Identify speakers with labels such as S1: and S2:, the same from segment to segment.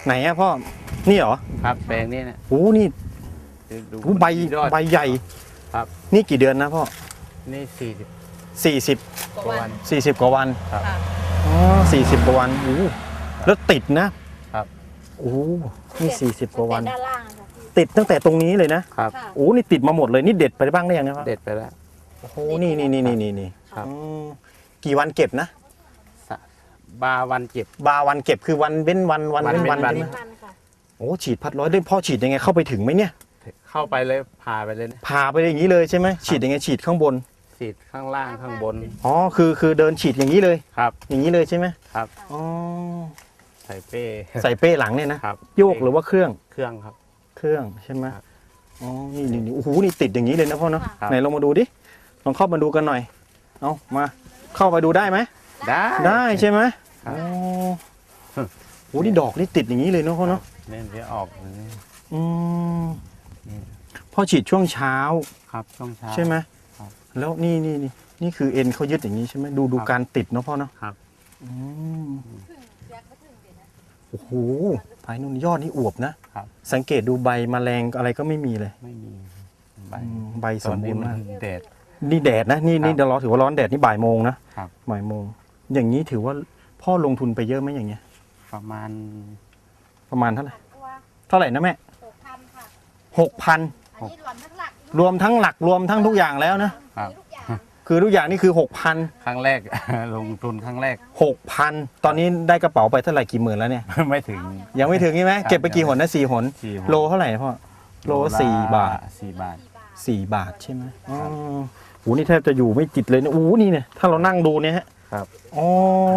S1: ไหนอะพ่อนี่เหรอ
S2: ครับแปลงนี้นะ
S1: โอ้นี่
S2: ดู
S1: ใบใหญ่
S2: ครับ
S1: นี่กี่เดือนนะพ่อ
S2: นี่
S1: 40
S3: กว่าวัน
S1: 40กว่าวัน
S2: ครับ
S3: ค่ะ
S1: อ๋อ40กว่าวันโอ้แล้วติดนะครับโอ้นี่40กว่าวัน
S3: ด้านล่างอะค่ะพี่
S1: ติดตั้งแต่ตรงนี้เลยนะครับ
S3: ค่ะ
S1: โอ้นี่ติดมาหมดเลยนี่เด็ดไปบ้างได้ยังครับ
S2: เด็ดไปแล้ว
S1: โอ้โหนี่
S2: ครับ
S1: อืมกี่วันเก็บนะ
S2: บาวันเก็บบ
S1: าวันเก็บคือวันเว้นวันเว้นวัน
S2: วัน
S1: ใช่ไหม
S3: มันค่ะ
S1: โอ้ฉีดพัดร้อยได้พ่อฉีดยังไงเข้าไปถึงไหมเนี่ย
S2: เข้าไปเลยผ่าไปเลยนะ
S1: ผ่าไปอย่างนี้เลยใช่ไหมฉีดยังไงฉีดข้างบน
S2: ฉีดข้างล่างข้างบน
S1: อ๋อคือเดินฉีดอย่างนี้เลย
S2: ครับ
S1: อย่างนี้เลยใช่ไหม
S2: ครับ
S1: อ๋อ
S2: ใส่เป้
S1: ใส่เป้หลังเนี่ยนะครับ โยกหรือว่าเครื่อง
S2: เครื่องครับ
S1: เครื่องใช่ไหม
S2: ครับ
S1: อ๋อนี่โอ้โหนี่ติดอย่างนี้เลยนะพ่อเนาะ
S2: ครับ
S1: ไหนลองมาดูดิลองเข้ามาดูกันหน่อยเอามาเข้าไปดูได้ไหม
S2: ได้
S1: ได้ใช่ไหม
S2: ครับ
S1: อ๋อโอ้นี่ดอกนี่ติดอย่างนี้เลยเนาะพ่อเนาะ
S2: เนี่ยเดี๋ยวออกอย่างนี้
S1: อืม
S2: นี่
S1: พ่อฉีดช่วงเช้า
S2: ครับช่วงเช้า
S1: ใช่ไหม
S2: ครับ
S1: แล้วนี่คือเอ็นเขายึดอย่างนี้ใช่ไหมดู
S2: ครับ
S1: การติดเนาะพ่อเนาะ
S2: ครับ
S1: อืมโอ้โหภายนุ่นยอดนี่อวบนะครับ สังเกตดูใบแมลงอะไรก็ไม่มีเลย
S2: ไม่มีใบ
S1: ใบสมบูรณ์มาก
S2: ตอนนี้นแดด
S1: นี่แดดนะนี่
S2: ครับ
S1: เดี๋ยวเราถือว่าร้อนแดดนี่บ่ายโมงนะครับ บ่ายโมงอย่างนี้ถือว่าพ่อลงทุนไปเยอะไหมอย่างเงี้ย
S2: ประมาณ
S1: ประมาณเท่าไหร่เท่าไหร่นะแม่
S3: 6,000 ค่ะ
S1: 6,000
S3: อันนี้รวมทั้งหลัก
S1: รวมทั้งหลักรวมทั้งทุกอย่างแล้วนะครับ
S3: ทุกอย่าง
S1: คือทุกอย่างนี่คือ
S2: ครั้งแรก ลงทุนครั้งแรก
S1: 6,000 ตอนนี้ได้กระเป๋าไปเท่าไหร่กี่หมื่นแล้วเนี่ย
S2: ไม่ถึง
S1: ยังไม่ถึงใช่ไหม
S2: ครับ
S1: เก็บไปกี่หนนะ4 หน
S2: 4 หน
S1: โลเท่าไหร่พ่อโล4 บาท
S2: 4 บาท
S1: 4 บาทใช่ไหมอ๋อโหนี่แทบจะอยู่ไม่ติดเลยนะโอ้โหนี่เนี่ยถ้าเรานั่งดูเนี่ยฮะ
S2: ครับ
S1: อ๋อ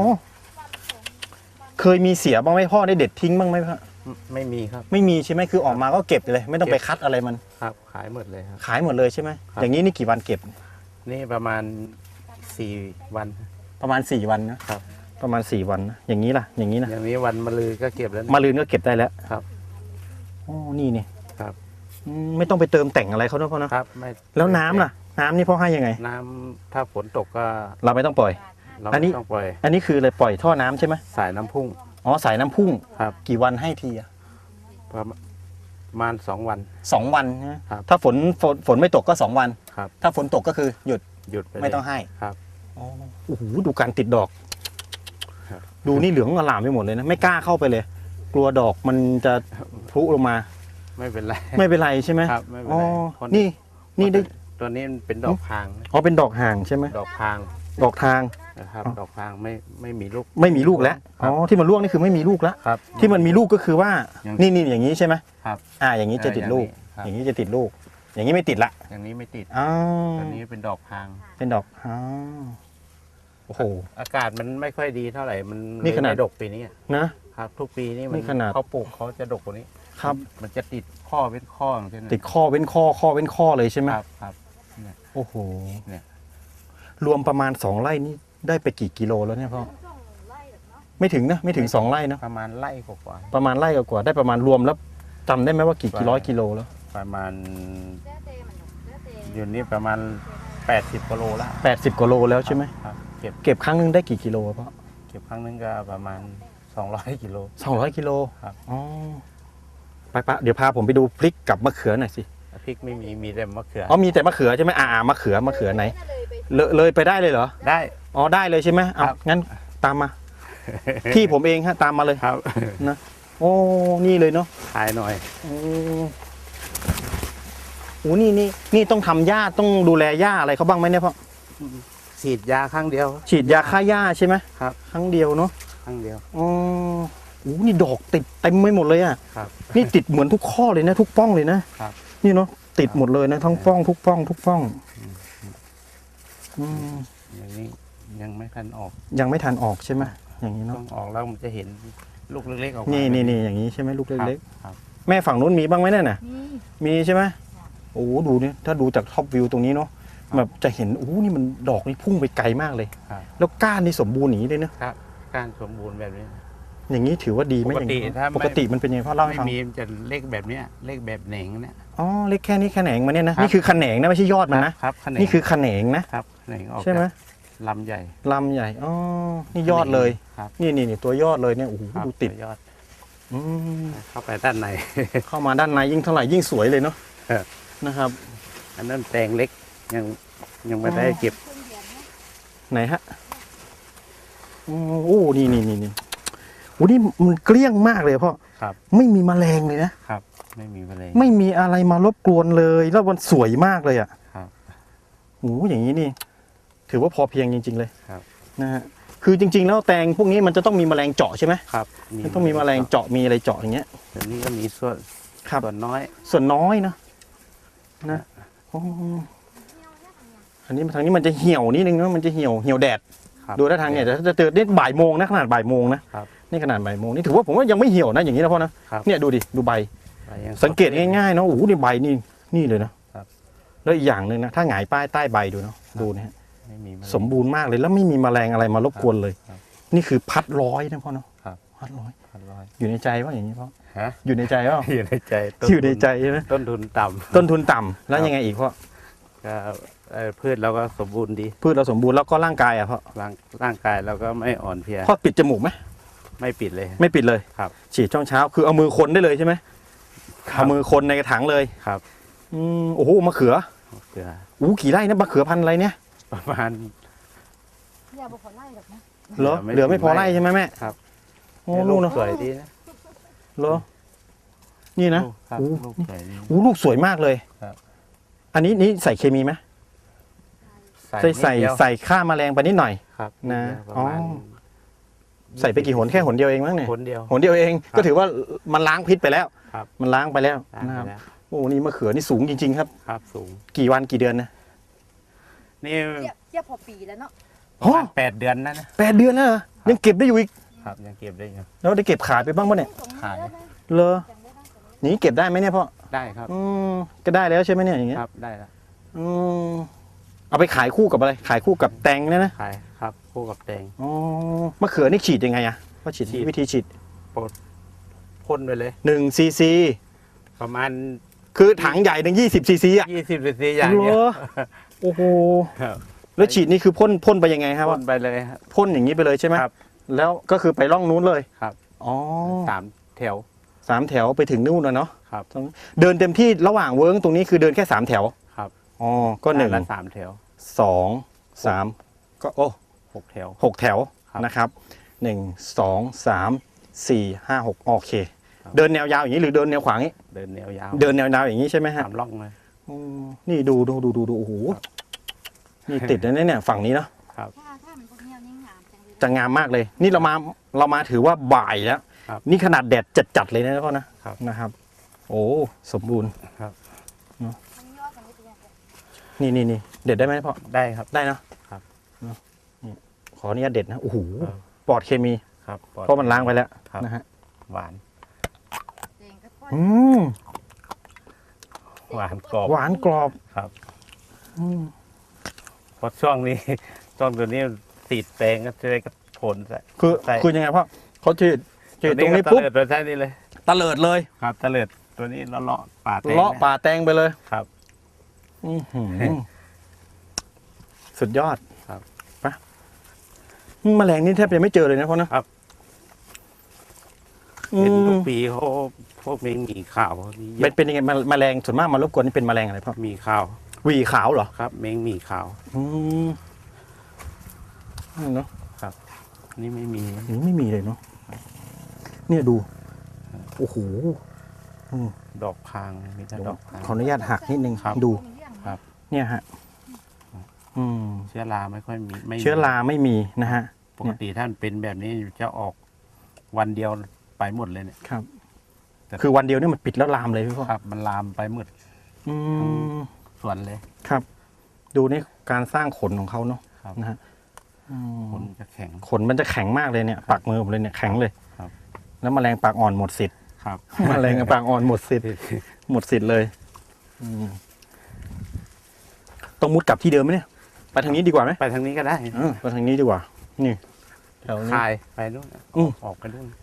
S1: เคยมีเสียบ้างไหมพ่อได้เด็ดทิ้งบ้างไหมพ่อ
S2: ไม่มีครับ
S1: ไม่มีใช่ไหมคือออกมาก็เก็บเลย ไม่ต้องไปคัดอะไรมัน
S2: ครับขายหมดเลยครับ
S1: ขายหมดเลยใช่ไหม
S2: ครับ
S1: อย่างนี้นี่กี่วันเก็บ
S2: นี่ประมาณ4 วัน
S1: ประมาณ4 วันนะครับ ประมาณ4 วันนะอย่างนี้ล่ะอย่างนี้นะ
S2: อย่างนี้วันมะรืนก็เก็บแล้วนะ
S1: มาลืนก็เก็บได้แล้ว
S2: ครับ
S1: อ๋อนี่นี่
S2: ครับ
S1: ไม่ต้องไปเติมแต่งอะไรเขานะพ่อนะครับ
S2: ไม่
S1: แล้วน้ำล่ะ น้ำนี่พ่อให้ยังไง
S2: น้ำถ้าฝนตกก็
S1: เราไม่ต้องปล่อย
S2: เรา
S1: อันนี้
S2: ไม่ต้องปล่อย
S1: อันนี้คืออะไรปล่อยท่อน้ำใช่ไหม
S2: สายน้ำพุ่ง
S1: อ๋อสายน้ำพุ่ง
S2: ครับ
S1: กี่วันให้ทีอะ
S2: ประมาณ2 วัน
S1: 2 วันนะครับ ถ้าฝนไม่ตกก็ 2 วัน
S2: ครับ
S1: ถ้าฝนตกก็คือหยุด
S2: หยุดไปเลย
S1: ไม่ต้องให้
S2: ครับ
S1: อ๋อโอ้โหดูการติดดอก
S2: ครับ
S1: ดูนี่เหลืองอลามไปหมดเลยนะไม่กล้าเข้าไปเลย กลัวดอกมันจะพลุลงมา
S2: ไม่เป็นไร
S1: ไม่เป็นไรใช่ไหม
S2: ครับไม่เป็น
S1: อ๋อ
S2: ไรเพราะ
S1: นี่ได้
S2: ตัวนี้มันเป็นดอกพางนะ
S1: อ๋อเป็นดอกห่างใช่ไหม
S2: ดอกพาง
S1: ดอกทาง
S2: นะครับ
S1: อ๋อ
S2: ดอกพางไม่มีลูก
S1: ไม่มีลูกแล้ว
S2: ครั
S1: อ๋
S2: บ
S1: อที่มันร่วงนี่คือไม่มีลูกแล้ว
S2: ครับ
S1: ที่มันมีลูกก็คือว่า
S2: ยัง
S1: นี่อย่างนี้ใช่ไหม
S2: ครับ
S1: อย่างนี้จะติดลูก
S2: ครับ
S1: อย่างนี้จะติดลูก อย่างนี้ไม่ติดละ
S2: อย่างนี้ไม่ติด
S1: อ๋อ
S2: ตัวนี้เป็นดอกพาง
S1: เป็นดอกอ๋อโอ้โห
S2: อากาศมันไม่ค่อยดีเท่าไหร่มัน
S1: นี่ขนาด
S2: ไม่ดกปีนี้
S1: นะ
S2: ครับทุกปีนี่
S1: นี่ขนาด
S2: เขาปลูกเขาจะดกกว่านี้
S1: ครับ
S2: มันจะติดข้อเป็นข้ออย่างเช่นนั้น
S1: ติดข้อเว้นข้อข้อเว้นข้อเลยใช่ไหม
S2: ครับครับ
S1: โอ้โห
S2: เนี่ย
S1: รวมประมาณ2 ไร่นี่ได้ไปกี่กิโลแล้วเนี่ยพ่อไม่ถึงนะไม่ถึง2 ไร่นะ
S2: ประมาณไร่กว่า
S1: ประมาณไร่กว่าๆได้ประมาณรวมแล้วจำได้ไหมว่ากี่ร้อยกิโลแล้ว
S2: ๆประมาณอยู่นี่ประมาณ80 กิโลละ
S1: 80 กว่าโลแล้วใช่ไหม
S2: ครับเก็บ
S1: เก็บครั้งหนึงได้กี่กิโลอะพ่อ
S2: เก็บครั้งนึงก็ประมาณ200 กิโล
S1: 200 กิโล
S2: ครับ
S1: อ๋อไปเดี๋ยวพาผมไปดูพริกกับมะเขือหน่อยสิ
S2: พริกไม่มีแต่มะเขือ
S1: อ๋อมีแต่มะเขือใช่ไหมมะเขือไหนเลยไปได้เลยเหรอ
S2: ได้
S1: อ๋อได้เลยใช่ไหมเอา
S2: ครับ
S1: งั้นตามมา ที่ผมเองฮะตามมาเลย
S2: ครับ
S1: โอ้นี่เลยเนาะ
S2: ถ่ายหน่อย
S1: โอ้นี่ต้องทำหญ้าต้องดูแลหญ้าอะไรเขาบ้างไหมเนี่ยพ่อ
S2: ฉีดยาครั้งเดียว
S1: ฉีดยาฆ่าหญ้าใช่ไหม
S2: ครับ
S1: ครั้งเดียวเนาะ
S2: ครั้งเดียว
S1: อ๋อโอ้นี่ดอกติดเต็มไปหมดเลยอ่ะ
S2: ครับ
S1: นี่ติดเหมือนทุกข้อเลยนะ ทุกป้องเลยนะครับ นี่เนาะติดหมดเลยนะทั้งป้องทุกป้องอืม
S2: อย่างนี้ยังไม่ทันออก
S1: ยังไม่ทันออกใช่ไหมอย่างนี้
S2: ต้
S1: เนาะ
S2: องออกแล้วมันจะเห็นลูกเล็กๆออกมา
S1: นี่อย่างนี้ใช่ไหมลูก
S2: ครับ
S1: เล็ก
S2: ครับ
S1: ๆแม่ฝั่งนู้นมีบ้างไหมเนี่ยน่ะ
S3: นี่
S1: มีใช่ไหมโอ้โหดูเนี่ยถ้าดูจากท็อปวิวตรงนี้เนาะแบบจะเห็นโอ้โหนี่มันดอกนี่พุ่งไปไกลมากเลย
S2: ครับ
S1: แล้วก้านนี่สมบูรณ์อย่างนี้เลยนะครับ
S2: การสมบูรณ์แบบนี้
S1: อย่างนี้ถือว่าดีไหม
S2: ปกติ
S1: อย่างนี้
S2: ถ้าไม่
S1: ปกติมันเป็นยังไงพ่อเล่าให้
S2: ไม่
S1: ฟัง
S2: มีมันจะเล็กแบบเนี้ยเล็กแบบเหน่งเนี่ย
S1: อ๋อเล็กแค่นี้แขนงมาเนี่ยนะครับ นี่คือแขนงนะไม่ใช่ยอดมันนะครับ
S2: ขนง
S1: นี่คือแขนงนะครับ
S2: แขนงออก
S1: ใช่ไหม
S2: จากลำใหญ่
S1: ลำใหญ่อ๋อนี่ยอดเลย
S2: ครับ
S1: นี่ตัวยอดเลยเนี่ยโอ้โห
S2: ครับ
S1: ดูติด
S2: ยอด
S1: อืม
S2: เข้าไปด้านใน
S1: เข้ามาด้านในยิ่งเท่าไหร่ยิ่งสวยเลยเนาะ
S2: ครับ
S1: นะครับ
S2: อันนั้นแตงเล็กยังไม่ได้เก็บ
S3: เครื่องเดียวนะ
S1: ไหนฮะโอ้นี่โอ้นี่มันเกลี้ยงมากเลยพ่อ
S2: ครับ
S1: ไม่มีแมลงเลยนะครับ
S2: ไม่มีแมลง
S1: ไม่มีอะไรมารบกวนเลยแล้วมันสวยมากเลยอ่ะ
S2: ครับ
S1: โอ้อย่างนี้นี่ ถือว่าพอเพียงจริง ๆ เลย
S2: ครับ
S1: นะฮะคือจริง ๆ แล้วแตงพวกนี้มันจะต้องมีแมลงเจาะใช่ไหม
S2: ครับ
S1: มันต้องมีแมลงเจาะมีอะไรเจาะอย่างเงี้ย
S2: แต่นี่ก็มีส่วน
S1: ครับ
S2: ส่วนน้อย
S1: ส่วนน้อยนะอ๋ออันนี้ทางนี้มันจะเหี่ยวนิดนึงนะมันจะเหี่ยวแดด
S2: ครับ
S1: ดูท่าทางเนี่ยจะเจอนี่บ่ายโมงนะขนาดบ่ายโมงนะครับ นี่ขนาดบ่ายโมงนี่ถือว่าผมว่ายังไม่เหี่ยวนะอย่างนี้นะพ่อนะครับ เนี่ยดูดิดูใบ
S2: ใบยังด
S1: สังเกตง่ายๆเนาะโอ้โหนี่ใบนี่เลยนะครับ แล้วอีกอย่างหนึ่งนะถ้าหงายป้ายใต้ใบดูเนาะดูนะฮะ
S2: ไม่มีแมลง
S1: สมบูรณ์มากเลยแล้วไม่มีแมลงอะไรมารบกวนเลย
S2: ครับ
S1: นี่คือพัดร้อยนะพ่อเนาะ
S2: ครับ
S1: พัดร้อย
S2: อร่อย
S1: อยู่ในใจว่าอย่างนี้พ่อ
S2: ฮะ
S1: อยู่ในใจว่า
S2: อยู่ในใจต้
S1: อยู่ในใจใช่ไหม
S2: ต้นทุนต่ำ
S1: ต้นทุนต่ำแล้วยังไงอีกพ่อ
S2: ก็พืชเราก็สมบูรณ์ดี
S1: พืชเราสมบูรณ์แล้วก็ร่างกายอ่ะพ่อ
S2: ร่างกายเราก็ไม่อ่อนเพลีย
S1: พ่อปิดจมูกไหม
S2: ไม่ปิดเลย
S1: ไม่ปิดเลย
S2: ครับ
S1: ฉีดช่องเช้าคือเอามือคนได้เลยใช่ไหม
S2: ครับ
S1: เอามือคนในกระถางเลย
S2: ครับ
S1: โอ้โหมะเขือ
S2: เกลือ
S1: กี่ไร่นะมะเขือพันธุ์อะไรเนี่ย
S2: ประมาณ
S3: อย่าบอกขอไล่หรอกนะ
S1: เหรอเหลือไม่พอไร่ใช่ไหมแม่
S2: ครับ
S1: โอ้
S2: ลู
S1: ลู
S2: ก
S1: กเนาะ
S2: สวยดีนะ
S1: เหรอนี่นะ
S2: ลูกครับ
S1: โอ้
S2: ลูกสวยดี
S1: โอ้ลูกสวยมากเลย
S2: ครับ
S1: อันนี้ใส่เคมีไหมใส่
S2: นิดเดียว
S1: ใส่ฆ่าแมลงไปนิดหน่อย
S2: ครับ
S1: นะ
S2: ดเดียวประมาณ
S1: อ๋อ ใส่ไปกี่หนแค่หนเดียวเองมั้งเนี่ย
S2: คนเดียว
S1: หนเดียวเอง
S2: ครับ
S1: ก็ถือว่ามันล้างพิษไปแล้ว
S2: ครับ
S1: มันล้างไปแล้ว
S2: ได้
S1: นะครับ
S2: ไปแล้ว
S1: โอ้นี่มะเขือนี่สูงจริงๆครับ
S2: ครับสูง
S1: กี่วันกี่เดือนนะ
S2: นี่
S3: เทียบพอปีแล้วเนาะ
S2: ประมาณ8 เดือนนะ
S1: 8 เดือนแล้วเหรอยังเก็บได้อยู่อีก
S2: ครับยังเก็บได้อยู่
S1: แล้วได้เก็บขายไปบ้างปะเนี่ย
S2: ขาย
S1: เลอ
S3: ยังไม่ได้แต่ว่า
S1: อย่างนี้เก็บได้ไหมเนี่ยพ่อ
S2: ได้ครับ
S1: ก็ได้แล้วใช่ไหมเนี่ยอย่างเงี้ย
S2: ครับได้แล้ว
S1: อืมเอาไปขายคู่กับอะไร ขายคู่กับแตงเนี่ยนะ
S2: ขายครับคู่กับแตง
S1: อ๋อมะเขือนี่ฉีดยังไงอะว่าฉีด
S2: ฉีด
S1: วิธีฉีด
S2: พ่นไปเลย
S1: 1 cc
S2: ประมาณ
S1: คือถังใหญ่หนึ่ง20 cc อ่ะ
S2: 20 cc อย่างเงี้ย
S1: เหรอโอ้โห
S2: ครับ
S1: แล้วฉีดนี่คือพ่นไปยังไงครับ
S2: พ่นไปเลยครับ
S1: พ่นอย่างนี้ไปเลยใช่ไหม
S2: ครับ
S1: แล้วก็คือไปร่องนู้นเลย
S2: ครับ
S1: อ๋อ
S2: 3 แถว
S1: 3 แถวไปถึงนู่นนะเนาะ
S2: ครับ
S1: เดินเต็มที่ระหว่างเวิร์กตรงนี้คือเดินแค่3 แถว
S2: ครับ
S1: อ๋อก็1
S2: ด้านละ3 แถว
S1: 2 3ก็โอ้
S2: 6 แถว
S1: 6 แถว
S2: ครับ
S1: นะครับ1 2 3 4 5 6โอเค
S2: ครับ
S1: เดินแนวยาวอย่างนี้หรือเดินแนวขวางนี้
S2: เดินแนวยาว
S1: เดินแนวยาวอย่างนี้ใช่ไหมฮะ
S2: 3 ร่องเลย
S1: อืมนี่ดูโอ้โหนี่ติดนะเนี่ยฝั่งนี้เนาะ
S3: ถ้ามันพวกเนี้ยนี่งามจังเลย
S1: จะงามมากเลย นี่เรามาถือว่าบ่ายแล้ว
S2: ครับ
S1: นี่ขนาดแดดจัดๆเลยนะพ่อนะครับ นะครับ โอ้สมบูรณ์
S3: มันยอดมันไม่เป็นยังไง
S1: นี่เด็ดได้ไหมพ่อ
S2: ได้ครับ
S1: ได้เนอะ
S2: ครับ
S1: เนอะนี่ขออนุญาตเด็ดนะโอ้โห
S2: ครับ
S1: ปลอดเคมี
S2: ครับปลอด
S1: เพราะมันล้างไปแล้ว
S2: ครับ
S1: นะฮะ
S2: หวาน
S3: แดงก็ค่อย
S1: อืม
S2: หวานกรอบ
S1: หวานกรอบ
S2: ครับ
S1: อืม
S2: เพราะช่วงนี้ ช่วงตัวนี้ติดแปลงก็จะได้กระผลใส่
S1: คือ
S2: ใส่
S1: คือยังไงพ่อเขาฉีดตรงนี้
S2: ก็
S1: ปุ๊บ
S2: ตะเลิดตัวใช่นี่เลย
S1: ตะเลิดเลย
S2: ครับตะเลิดตัวนี้เลาะๆป่าแตง
S1: เลาะป่าแตงไปเลย
S2: ครับ
S1: อื้อหือสุดยอด
S2: ครับ
S1: ปะแมลงนี่แทบจะไม่เจอเลยนะพ่อนะครับ อืม
S2: เห็นทุกปีเขาพวกนี้มีข่าวนี่เย
S1: เป็น
S2: อะ
S1: ยังไงแมลงส่วนมากมารบกวนนี่เป็นแมลงอะไรพ่อ
S2: มีข่าว
S1: หวีขาวเหรอ
S2: ครับเม้งมีข่าว
S1: อืมเนาะ
S2: นี่ไม่มี
S1: นี่ไม่มีเลยเนาะเนี่ยดูโอ้โห
S2: ดอกพางมีแต่ดอกพาง
S1: ขออนุญาตหักนิดนึง
S2: ครับ
S1: ดู
S3: มีเรื่อง
S2: ครับ
S1: เนี่ยฮะอืม
S2: เชื้อราไม่ค่อยมีไม่มี
S1: เชื้อราไม่มีนะฮะ
S2: ปกติถ้ามันเป็นแบบนี้จะออกวันเดียวไปหมดเลยเนี่ย
S1: ครับ
S2: แต่
S1: คือวันเดียวเนี่ยมันปิดแล้วลามเลยพี่พ่อ
S2: ครับ มันลามไปหมด
S1: อืม
S2: สวนเลย
S1: ครับ ดูนี่การสร้างขนของเขาเนาะ
S2: ครับ
S1: นะฮะอืม
S2: ผลจะแข็ง
S1: ขนมันจะแข็งมากเลยเนี่ยปากมือผมเลยเนี่ยแข็งเลย
S2: ครับ
S1: แล้วแมลงปากอ่อนหมดสิทธิ์
S2: ครับ
S1: แมลงปากอ่อนหมดสิทธิ์หมดสิทธิ์เลยอืมต้องมุดกลับที่เดิมไหมเนี่ยไปทางนี้ดีกว่าไหม
S2: ไปทางนี้ก็ได้
S1: ไปทางนี้ดีกว่า นี่แถวนี้
S2: คายไปนู่น
S1: อืม
S2: ออกไปนู่น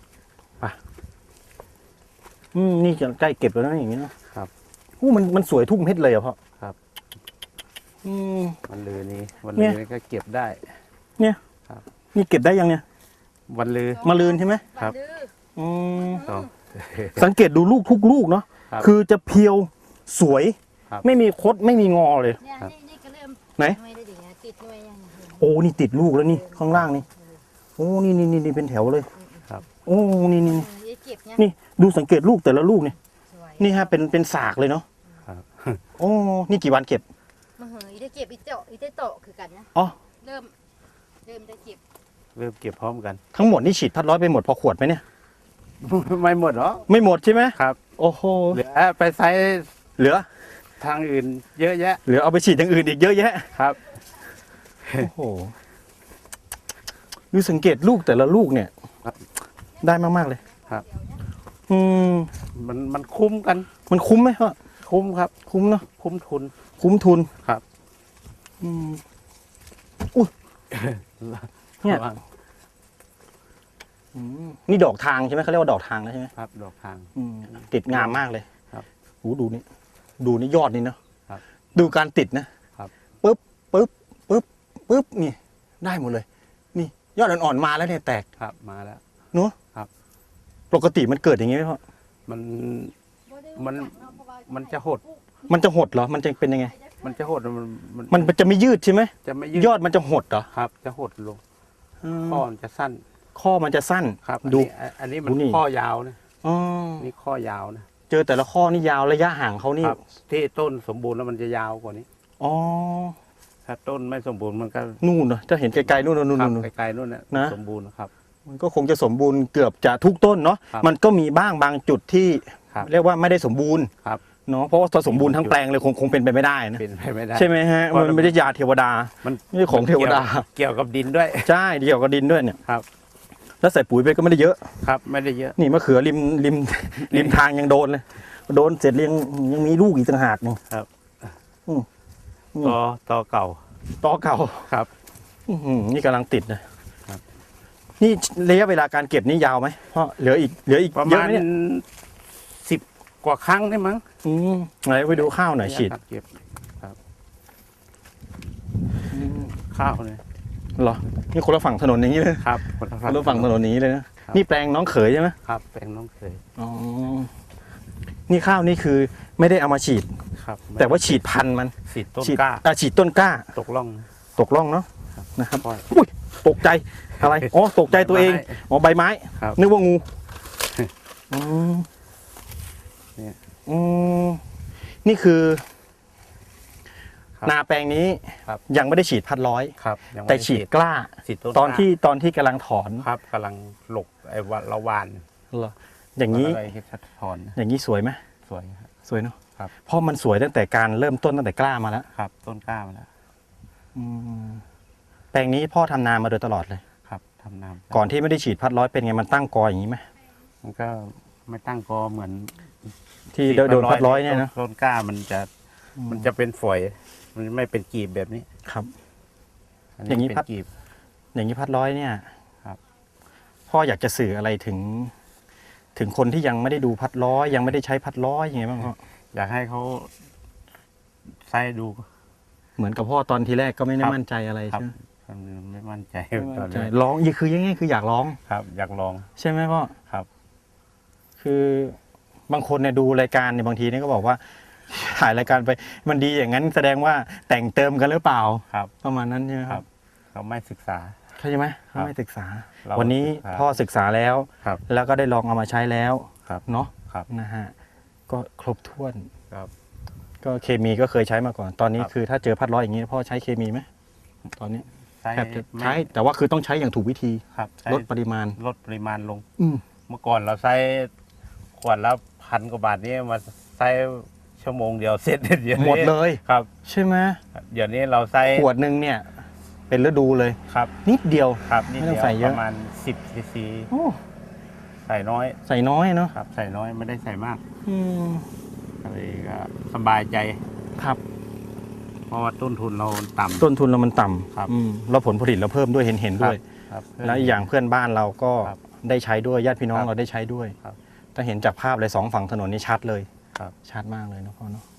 S1: นี่จะใกล้เก็บแล้วนะอย่างนี้นะครับ อู้มันสวยทุกเม็ดเลยอ่ะพ่อ
S2: ครับ
S1: อืม
S2: วันลือนี้วัน
S1: เนี่
S2: ลือย นี่ก็เก็บได้
S1: นี่เก็บได้ยังเนี่ย
S2: วันลือ
S1: มะรืนใช่ไหม
S2: ครับ
S3: ดื้อ
S1: อืม
S2: ต้อง
S1: สังเกตดูลูกทุกลูกเนาะ
S2: ครับ
S1: คือจะเพียวสวย
S2: ครับ
S1: ไม่มีคดไม่มีงอเลย
S3: เนี่ยนี่ก็เริ่ม
S1: ไหน
S3: ไม่ได้ดิไงติดหน่วยยังเห็น
S1: โอ้นี่ติดลูกแล้วนี่ข้างล่างนี่โอ้นี่เป็นแถวเลย
S2: ครับ
S1: โอ้นี่
S3: เก็บเนี่ย
S1: นี่ดูสังเกตลูกแต่ละลูกนี่
S3: สวย
S1: นี่ฮะเป็นสากเลยเนาะ
S2: ครับ
S1: โอ้นี่กี่วันเก็บ
S3: มาเหยได้เก็บอีเจาะอีเตโตะคือกันนะ
S1: อ๋อ
S3: เริ่มได้เก็บ
S2: เริ่มเก็บพร้อมกัน
S1: ทั้งหมดนี่ฉีดพัดร้อยไปหมดพอขวดไหมเนี่ย
S2: ไม่หมดหรอ
S1: ไม่หมดใช่ไหม
S2: ครับ
S1: โอ้โห
S2: เหลือไปใช้
S1: เหลือ
S2: ทางอื่นเยอะแยะ
S1: เหลือเอาไปฉีดอย่างอื่นอีกเยอะแยะ
S2: ครับ
S1: โอ้โหดูสังเกตลูกแต่ละลูกเนี่ย
S2: ครับ
S1: ได้มากๆเลย
S2: ครับ
S1: อืม
S2: มันคุ้มกัน
S1: มันคุ้มไหมพ่อ
S2: คุ้มครับ
S1: คุ้มเนาะ
S2: คุ้มทุน
S1: คุ้มทุน
S2: ครับ
S1: อืมอุ้ย เนี่ย
S2: ระวัง
S1: อืมนี่ดอกทางใช่ไหมเขาเรียกว่าดอกทางแล้วใช่ไหม
S2: ครับดอกทาง
S1: อืมติดงามมากเลย
S2: ครับ
S1: โอ้ดูนี่ดูนี่ยอดนี่เนาะ
S2: ครับ
S1: ดูการติดนะครับ ปึ๊บนี่ ได้หมดเลย นี่ ยอดอ่อนๆมาแล้วเนี่ยแตก
S2: ครับมาแล้ว
S1: ปกติมันเกิดอย่างนี้ไหมพ่อ
S2: มัน มันจะหด
S1: มันจะหดเหรอมันจะเป็นยังไง
S2: มันจะหดมัน
S1: มันจะไม่ยืดใช่ไหม
S2: จะไม่ยืด
S1: ยอดมันจะหดเหรอ
S2: ครับ จะหดลง
S1: อืม
S2: ข้อมันจะสั้น
S1: ข้อมันจะสั้น
S2: ครับ
S1: ดู
S2: อันนี้มัน
S1: ดูนี่
S2: ข้อยาวนะ
S1: อ๋อ
S2: นี่ข้อยาวนะ
S1: เจอแต่ละข้อนี่ยาวระยะห่างเขานี่
S2: ครับ ที่ต้นสมบูรณ์แล้วมันจะยาวกว่านี้
S1: อ๋อ
S2: ถ้าต้นไม่สมบูรณ์มันก็
S1: นู่นเนอะจะเห็นไกลๆนู่น
S2: ครับ
S1: นู่น
S2: ไกลๆนู่นนะ
S1: นะ
S2: สมบูรณ์ครับ
S1: มันก็คงจะสมบูรณ์เกือบจะทุกต้นเนาะ
S2: ครับ
S1: มันก็มีบ้างบางจุดที่
S2: ครับ
S1: เรียกว่าไม่ได้สมบูรณ์
S2: ครับ
S1: เนาะเพราะว่าถ้าสมบูรณ์ทั้งแปลงเลยคงเป็นไปไม่ได้นะ
S2: เป็นไปไม่ได้
S1: ใช่ไหมฮะ
S2: เพราะ
S1: มันไม่ได้ยาเทวดา
S2: มัน
S1: ไม่ใช่ของเทวดา
S2: เกี่ยวกับดินด้วย
S1: ใช่เดียวกับดินด้วยเนี่ย
S2: ครับ
S1: แล้วใส่ปุ๋ยไปก็ไม่ได้เยอะ
S2: ครับไม่ได้เยอะ
S1: นี่มะเขือริมทางยังโดนเลย โดนเสร็จยังมีลูกอีกต่างหากนี่
S2: ครับ
S1: อืม
S2: ต่อเก่า
S1: ตอเก่า
S2: ครับ
S1: อื้อหือนี่กำลังติดนะครับ นี่ระยะเวลาการเก็บนี่ยาวไหมเพราะเหลืออีก
S2: ประ
S1: เยอะ
S2: มาณ
S1: ไหมเนี่ย
S2: 10 กว่าครั้งได้มั้ง
S1: ไหนไปดูข้าวหน่อยฉีด
S2: เก็บครับข้าวเนี่ย
S1: เหรอนี่คนละฝั่งถนนอย่างนี้เลย
S2: ครับ
S1: คนละฝั่งถนนอย่างนี้เลยนะครับ นี่แปลงน้องเขยใช่ไหม
S2: ครับแปลงน้องเคย
S1: อ๋อนี่ข้าวนี่คือไม่ได้เอามาฉีด
S2: ครับ
S1: แต่ว่าฉีดพันธุ์มัน
S2: ฉีดต้น
S1: ฉีด
S2: กล้า
S1: ฉีดต้นกล้า
S2: ตกล่อง
S1: ตกร่องเนาะนะครับ
S2: ปล่อย
S1: อุ้ยตกใจอะไรอ๋อตกใจตัวเองอ๋อใบไม้
S2: ครับ
S1: นึกว่างูอืม
S2: เนี่ย
S1: อืมนี่คือ
S2: ครับ
S1: นาแปลงนี้
S2: ครับ
S1: ยังไม่ได้ฉีดพัดร้อย
S2: ครับยังไม่
S1: แต่
S2: ได้
S1: ฉีดกล้า
S2: ฉีดต้น
S1: ตอน
S2: กล้า
S1: ที่กำลังถอน
S2: ครับกำลังหลกไอ้วันละวาน
S1: เหรออย่างนี้
S2: อะไรที่ถอน
S1: อย่างนี้สวยไหม
S2: สวยครับ
S1: สวยเนาะ
S2: ครับ
S1: เพราะมันสวยตั้งแต่การเริ่มต้นตั้งแต่กล้ามาแล้ว
S2: ครับ ต้นกล้ามาแล้ว
S1: อืมแปลงนี้พ่อทำนามาโดยตลอดเลย
S2: ครับทำน้ำ
S1: ก่อนที่ไม่ได้ฉีดพัดร้อยเป็นไงมันตั้งกออย่างนี้ไหม
S2: มันก็ไม่ตั้งกอเหมือน
S1: ที่โดนพัดร้อยเนี่ยนะ
S2: ต้นกล้ามันจะเป็นฝอย มันไม่เป็นกีบแบบนี้
S1: ครับ
S2: อัน
S1: อย่างนี้
S2: นี้
S1: พั
S2: เป็
S1: ด
S2: นกีบ
S1: อย่างนี้พัดร้อยเนี่ย
S2: ครับ
S1: พ่ออยากจะสื่ออะไรถึงคนที่ยังไม่ได้ดูพัดร้อยยังไม่ได้ใช้พัดร้อยยังไงบ้างพ่อ
S2: อยากให้เขาใส่ดู
S1: เหมือนกับพ่อตอนทีแรกก็ไม่ได้
S2: ครับ
S1: มั่นใจอะไร
S2: ครับ
S1: ใช่ไหม
S2: ไม่มั่นใจ
S1: ไม่
S2: ตอ
S1: มั่
S2: น
S1: นใจ
S2: นี้
S1: ร้องคือยังไงคืออยากร้อง
S2: ครับ อยากลอง
S1: ใช่ไหมพ่อ
S2: ครับ
S1: คือบางคนเนี่ยดูรายการเนี่ยบางทีเนี่ยก็บอกว่า ถ่ายรายการไปมันดีอย่างนั้นแสดงว่าแต่งเติมกันหรือเปล่า
S2: ครับ
S1: ประมาณนั้นใช่ไหมค
S2: ครั
S1: รับ
S2: บ เขาไม่ศึกษา
S1: เข้าใจไหม
S2: ครับ
S1: ไม่ศึกษา
S2: เรา
S1: วันนี้
S2: ศึกษา
S1: พ่อศึกษาแล้ว
S2: ครับ
S1: แล้วก็ได้ลองเอามาใช้แล้ว
S2: ครับ
S1: เนาะ
S2: ครับ
S1: นะฮะก็ครบถ้วน
S2: ครับ
S1: ก็เคมีก็เคยใช้มาก่อน ตอนนี้
S2: ครับ
S1: คือถ้าเจอพัดร้อยอย่างนี้พ่อใช้เคมีไหมตอนนี้
S2: ใช้
S1: แทบจะ
S2: ไม่
S1: ใช้แต่ว่าคือต้องใช้อย่างถูกวิธี
S2: ครับใช้
S1: ลดปริมาณ
S2: ลดปริมาณลง
S1: อืม
S2: เมื่อก่อนเราใช้ขวดละ1,000 กว่าบาทนี่มาใช้ชั่วโมงเดียวเสร็จเดี๋ยวนี้
S1: หมดเลย
S2: ครับ
S1: ใช่ไหม
S2: เดี๋ยวนี้เราใช้
S1: ขวดหนึ่งเนี่ย เป็นฤดูเลย
S2: ครับ
S1: นิดเดียว
S2: ครับนี่
S1: ไม่ต้
S2: เดี
S1: อง
S2: ยว
S1: ใส่เย
S2: ป
S1: อะ
S2: ระมาณ10 cc
S1: โอ้
S2: ใส่น้อย
S1: ใส่น้อยเนาะ
S2: ครับ ใส่น้อยไม่ได้ใส่มาก
S1: อืม
S2: ก็เลยก็สบายใจ
S1: ครับ
S2: เพราะว่าต้นทุนเราต่ำ
S1: ต้นทุนเรามันต่
S2: ครับ
S1: ำแล้วผลผลิตเราเพิ่มด้วยเห็นด้วย
S2: ครับ
S1: แล้วอีกอย่างเพื่อนบ้านเราก็
S2: ครับ
S1: ได้ใช้ด้วยญาติพี่น้อง
S2: ครับ
S1: เราได้ใช้ด้วย
S2: ครับ
S1: ถ้าเห็นจากภาพเลยสองฝั่งถนนนี่ชัดเลย
S2: ครับ
S1: ชัดมากเลยนะพ่อเนาะ